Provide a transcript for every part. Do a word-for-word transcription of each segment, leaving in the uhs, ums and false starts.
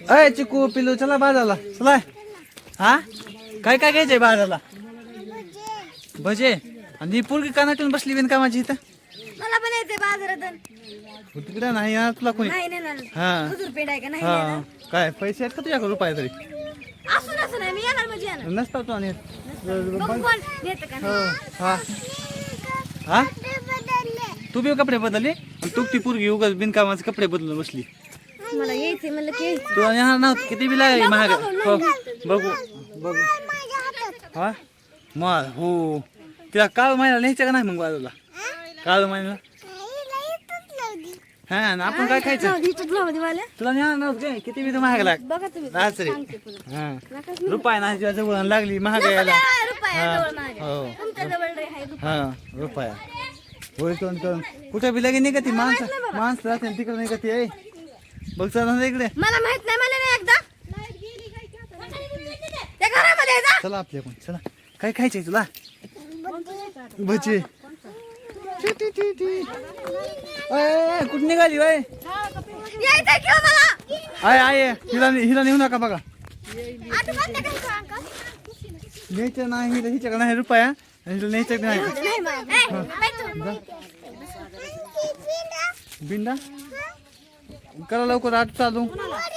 अय चिकू पिलू चला बाजारला चला. हा काय काय घ्यायचंय बाजारला? भजे. आणि पोरगी कानाटून बसली बिनकामाची इथं. मला पण येते बाजारातून. तिकडे नाही ना तुला कोणी. नाही नेणार. हा हुजूर पेंड आहे का नाही हा नेणार? काय पैसे आहेत का तुझ्याकडे रुपये तरी? असं नसं नाही मी येणार म्हणजे येणार. नसता तू आणि बघू कोण नेतं का हो नाही. हा हा तू बी कपडे बदलले आणि तू ती पोरगी उगाच बिनकामाचे कपडे बदलून बसली. मला यायचे म्हणलं की यायचं. तू येणार नव्हतं किती बी लागली महाग. हो बघू बघू हा मग हो तिला काळ महिन्याला न्यायचं का नाही मग बाजूला? काळ महिन्याला हा आणि आपण काय खायचं? इथंच लावा दे मला. तुला नेणार नव्हतं काय किती बी तर महाग लाग बघा तुम्ही. राहच रे. सांगते पुढं. हा रुपये ना तुझ्या जवळ लागली महाग यायला. काय रुपया हा. जवळ माझ्या. हो तुमच्या जवळ रे आहे रुपया. हा रुपया होय तोंड करून कुठे बी लगे निघती माणसं माणसं राहते तिकडे निघती आहे. बघ चला इकडे मला माहित नाही मला नाही एकदा. त्या घरामध्ये जा. चला आपल्या पण चला काय खायचंय तुला? भजी. कुठे निघाली बाय? यायचं किंवा मला. आय आय हिला हिला नेऊ नका बघा. आता बंद कर का अंकल? न्यायचं नाही हिला हिच्याकडे नाही रुपया आणि हिला न्यायचं नाही. नाही मला. बिंडा करा लवकर आठ चालू.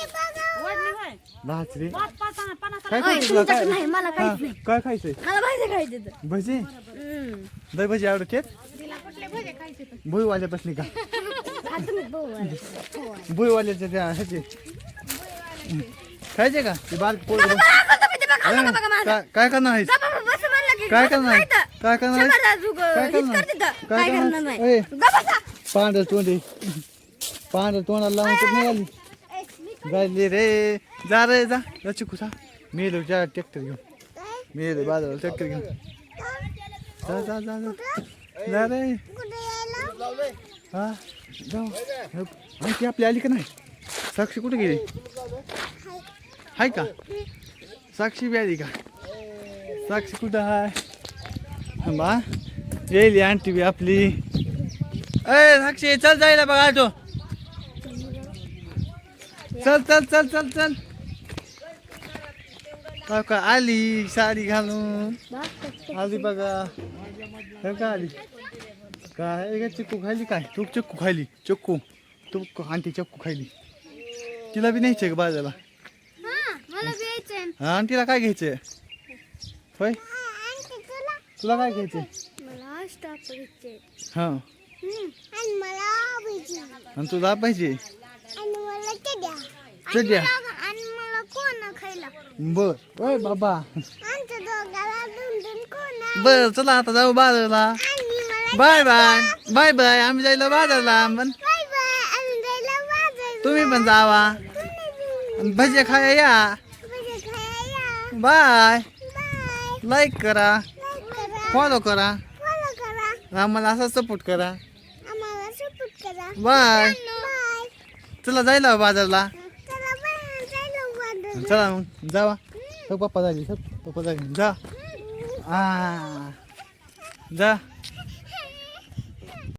दहाच रे काय खायचं तुला? काय नाही मला हा, काहीच नाही. काय खायचंय? मला भाजी खायची तर. भजी हम्म. दही भजी आवडते. भुईवाल्या बसली का? आता मी बघू आले. भुईवाल्याच्या त्या ह्याचे खायचे का ते बारीक पोट बघा, अंकल तुम्ही ते बघा, बघा, बघा माझं. काय काय करणार आहेस? गप्पा बघा, बस म्हणलं की काय बस करणार आहे? खायचं. काय करणार आहेस? शंभर अजून, काय हीच करणार? करते तर. काय काय करणार? करणार नाही. ए. गप्प बसा. पांढर तोंडी पांढर तोंडाला लावून कुठे निघाली जायली रे. जा रे जा जा चिकू जा. मी येलो जा ट्रॅक्टर घेऊन. मी येलो बाजाराला ट्रॅक्टर घेऊन. जा जा जा जा जा रे. हा जाऊ आणखी आपली आली का नाही? साक्षी कुठे गेली? हाय का? साक्षी बी आली का? साक्षी कुठं हाय? बा येईल आंटी बी आपली. अय साक्षी चल जायला बघा तो. चल चल चल चल चल. हो का आली साडी घालून आली बघा. हो का आली काय चिक्कू खायली काय? तू चिक्कू खायली चिक्कू तू आंटी चिक्कू खायली. तिला बी न्यायचंय का बाजारला? मला घ्यायचं. हा आणि तिला काय घ्यायचंय? होय तुला काय घ्यायचंय? मला स्टॉप घ्यायचे. हा आणि मला भजी. आणि तुला पाहिजे आणि मला चड्या. चड्या. आणि मला कोण खायला. बर होय बाबा. आमच्या दोघाला दोन दोन कोण. बर चला आता जाऊ बाजारला. आणि मला बाय बाय बाय बाय. आम्ही जायला बाजारला पण बाय बाय. आम्ही जायला बाजार. तुम्ही पण जावा आणि भजे खाया या. भजी खायला. Bye bye. लाईक करा लाईक करा. फॉलो करा फॉलो करा. आम्हाला असा सपोर्ट करा. आम्हाला सपोर्ट करा. Bye bye. चला जायला बाजारला. चला बाय. जायला बाजार. चला मग जावा. हो पप्पा झाली पप्पा झाली जा. आ जा